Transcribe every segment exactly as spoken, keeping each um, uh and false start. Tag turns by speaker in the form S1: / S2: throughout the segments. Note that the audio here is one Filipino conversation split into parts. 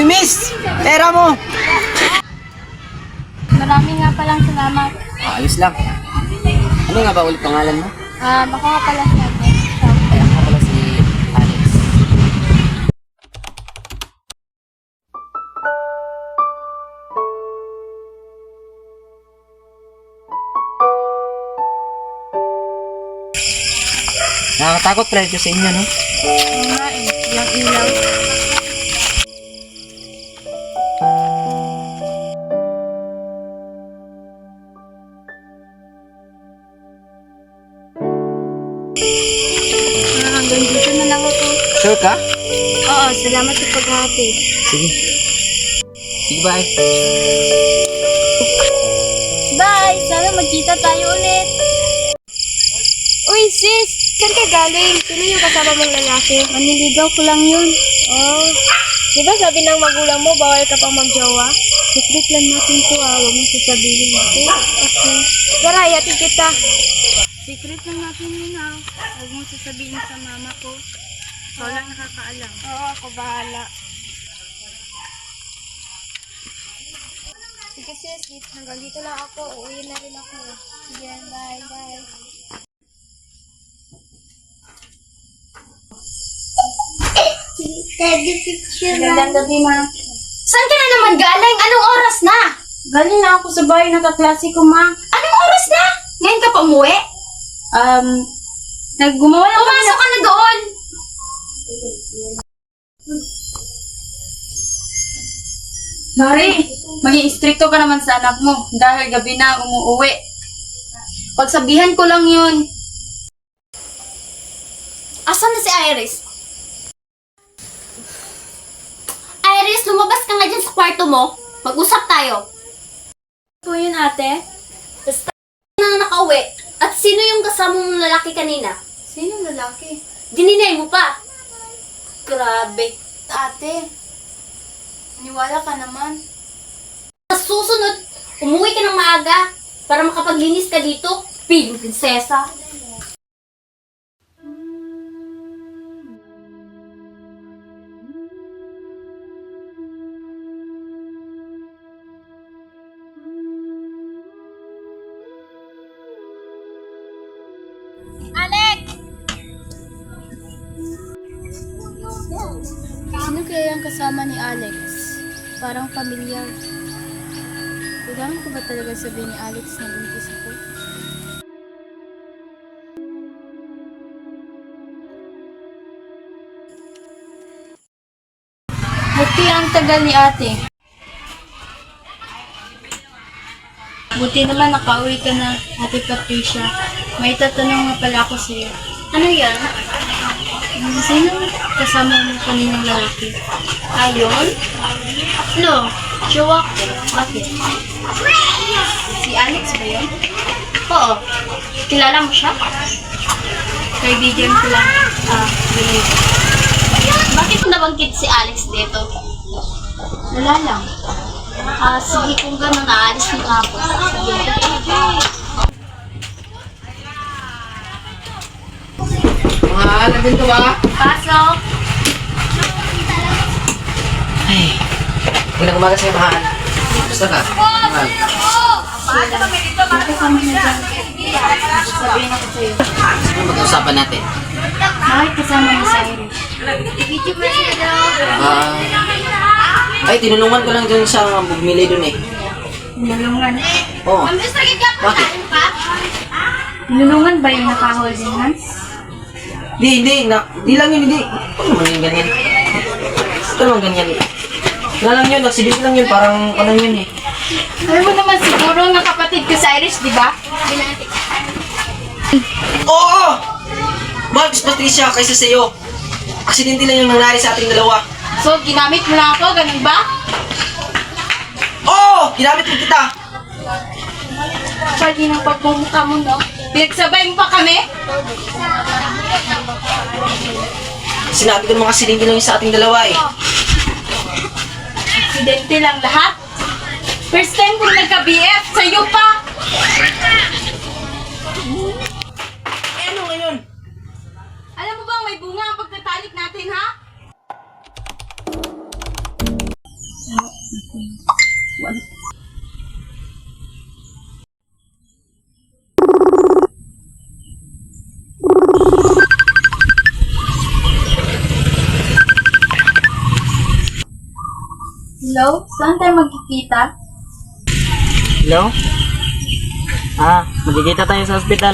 S1: miss! Pera mo!
S2: Maraming nga palang salamat.
S1: Ah, ayos lang. Ano nga ba ulit pangalan mo?
S2: Ah, baka nga pala si Ate.
S1: Ay, ako nga pala si Alex. Nakakatakot pala ito sa inyo, no?
S2: Oo nga eh, yung ilaw. Ah, hanggang dito na lang ako.
S1: Sure ka?
S2: Oo, salamat sa paghahatid.
S1: Sige. Sige, bye.
S2: Bye! Sana magkita tayo ulit. Uy, sis! Saan ka galing? Sino yung kasama mong lalaki? Maniligaw ko lang yun. Oh. Di ba sabi ng magulang mo, bawal ka pang magjowa? Secret lang natin to ah. Huwag mong sasabihin natin. Okay. Tara, yatid kita. Secret lang natin yun ah. Huwag mong sasabihin sa mama ko. Ikaw lang nakakaalam. Oo, ako bahala. Sige sis, hanggang dito lang ako. Uuwi na rin ako. Sige, bye, bye. Teddy picture. Magandang gabi, ma.
S3: Saan ka na naman galing? Anong oras na?
S2: Galing na ako sa bahay ng kaklase ko, ma.
S3: Anong oras na? Ngayon ka pa umuwi?
S2: Um, naggumawa lang
S3: Pumasok ka na doon!
S2: Mari, maging istrikto ka naman sa anak mo dahil gabi na umuuwi. Pagsabihan ko lang yun.
S3: Asan na si Iris? Iris, lumabas ka nga dyan sa kwarto mo. Mag-usap tayo.
S2: Po yun, ate?
S3: Basta na nakauwi. At sino yung kasama mong lalaki kanina?
S2: Sino lalaki?
S3: Dininay mo pa. Grabe.
S2: Ate, niwala ka naman.
S3: Sa susunod, umuwi ka ng maaga para makapaglinis ka dito. Piling prinsesa.
S2: Sino kaya yung kasama ni Alex? Parang pamilyar. Kailangan ko ba talaga sabihin ni Alex na buntis ako? Buti ang tagal ni ate. Buti naman nakauwi ka na, Ate Patricia. May tatanong nga pala ako sa'yo.
S3: Ano yan?
S2: Hmm, Sino kasama mo kaninang lalaki?
S3: Ayon? No. Jowa ko. Bakit?
S2: Si Alex ba yun?
S3: Oo. Kilala mo siya?
S2: Kaibigan ko lang. Ah, really.
S3: Bakit mo nabanggit si Alex dito?
S2: Wala lang.
S3: Ah, sige kung gano'n, naalis na ako. Sige.
S1: Mga alam din to ba?
S3: Pasok!
S1: Ay, magandang umaga sa'yo, mahal. Gusto ka? Mahal.
S2: Kasama na dyan. Sabihin ako sa'yo.
S1: Ano mag-uusapan natin?
S2: Bakit kasama mo sa Irish?
S1: Ah, ay, tinulungan ko lang dun sa bumili dun eh.
S2: Nilulungan.
S1: Oo. Bakit?
S2: Nilulungan ba yung naka-holding hands?
S1: Di, di, na, di lang yun, di. Ano naman yung ganyan? Ito naman ganyan. Wala lang yun, accident lang yun, parang ano yun eh.
S2: Alam mo naman siguro ng kapatid ko sa Irish, di ba?
S1: Oo! Mahal, Miss Patricia, kaysa sa'yo. Aksidente lang yung nangyari sa ating dalawa.
S2: So, ginamit mo lang ako, ganun ba?
S1: Oo! Ginamit mo kita!
S2: Pwede ng pagmumukha mo, no? Pinagsabay mo pa kami?
S1: Sinabi ko ng mga aksidente lang yun sa ating dalawa eh.
S2: Aksidente lang lahat? First time kong nagka-B F, sa'yo pa!
S1: Eh ano ngayon?
S2: Alam mo bang may bunga ang pagtatalik natin, ha? Hello? Saan tayo magkikita?
S4: Hello? Ah, magkikita tayo sa ospital.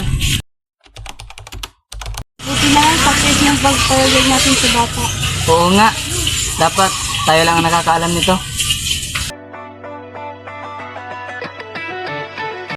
S2: Buti na lang success yung pagpalagay natin sa bata.
S4: Oo nga. Dapat tayo lang ang nakakaalam nito.